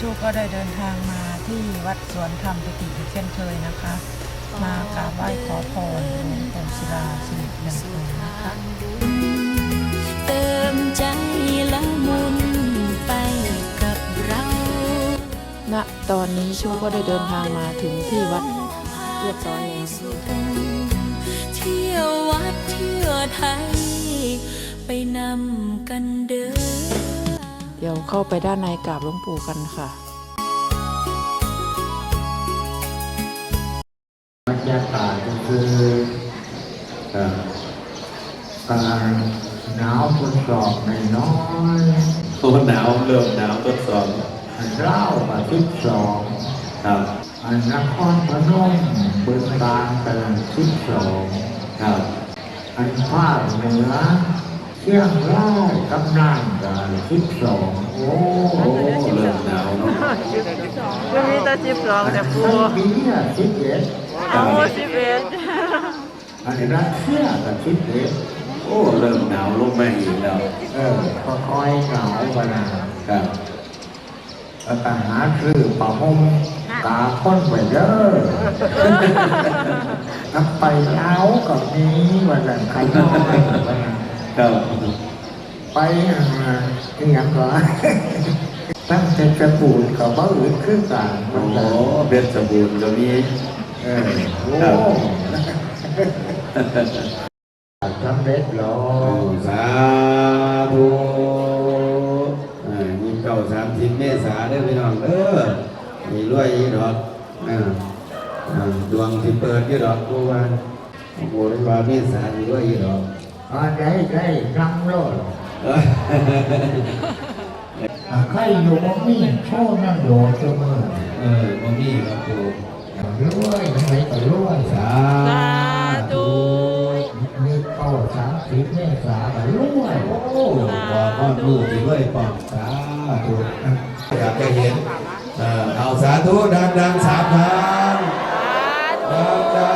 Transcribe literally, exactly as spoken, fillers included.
ชูก็ได้เดินทางมาที่วัดสวนธรรมปิติอีกเช่นเคยนะคะ มากราบไหว้ขอพรหลวงปู่ศิลาสิริยังคงนะคะเติมใจละมุนไปกับเราณตอนนี้ชูก็ได้เดินทางมาถึงที่วัดเรียบร้อยแล้วเที่ยววัดเที่ยวไทยไปนำกันเดินเดี๋ยวเข้าไปด้านในกราบหลวงปู่กันค่ะบรรยากาศก็คือการหนาวทดสอบในน้อยโอ้หนาวเริ่มหนาวทดสอบเล่ากับทิศสองครับอันนครพนมเบื้องกลางกันทิศสองครับอันภาคเหนือเชียงรายกำลังกันทิศสองโอ้เริ่มหนาวเนาะวันนี้ตาจิบสองแต่ปูปีอ่ะทิศเอ็ดเอาสิบเอ็ดอันนี้รัสเซียกับทิศเอ็ดโอ้เริ่มหนาวลงมาอีกแล้วเออค่อยๆหนาวกันนะครับแล้วก็หาซื้อผ้าห่มตาค้นไปเด้อน้ำไปเล้ากับนี้วันนั้นใครน้อยวันนั้นครับไปที่ยังก็ตั้งแต่จะปูดกับบ้าอื่นขึ้นกันโอ้เบ็ดสบู่ก็มีเออโอ้สำเร็จแล้วสาธุยี่สิบเก้าสามสิบเมษาได้พี่น้องเด้อมีรวยยี่ดอกดวงที่เปิดยี่ดอกกูว่าโอ้โหได้ว่าเมษามีรวยยี่ดอกอ่าได้ได้รำโลดใครอยู่บ่มีโชว์นั่งโดดเสมอเออบ่มีครับปูรวยไหนก็รวยสาธุมีเก้าสามสิบเมษาก็รวยโอ้บอกว่าลูกที่รวยปองสาธุอยากจะเห็นเอาสาธุดังๆสามครั้งดัง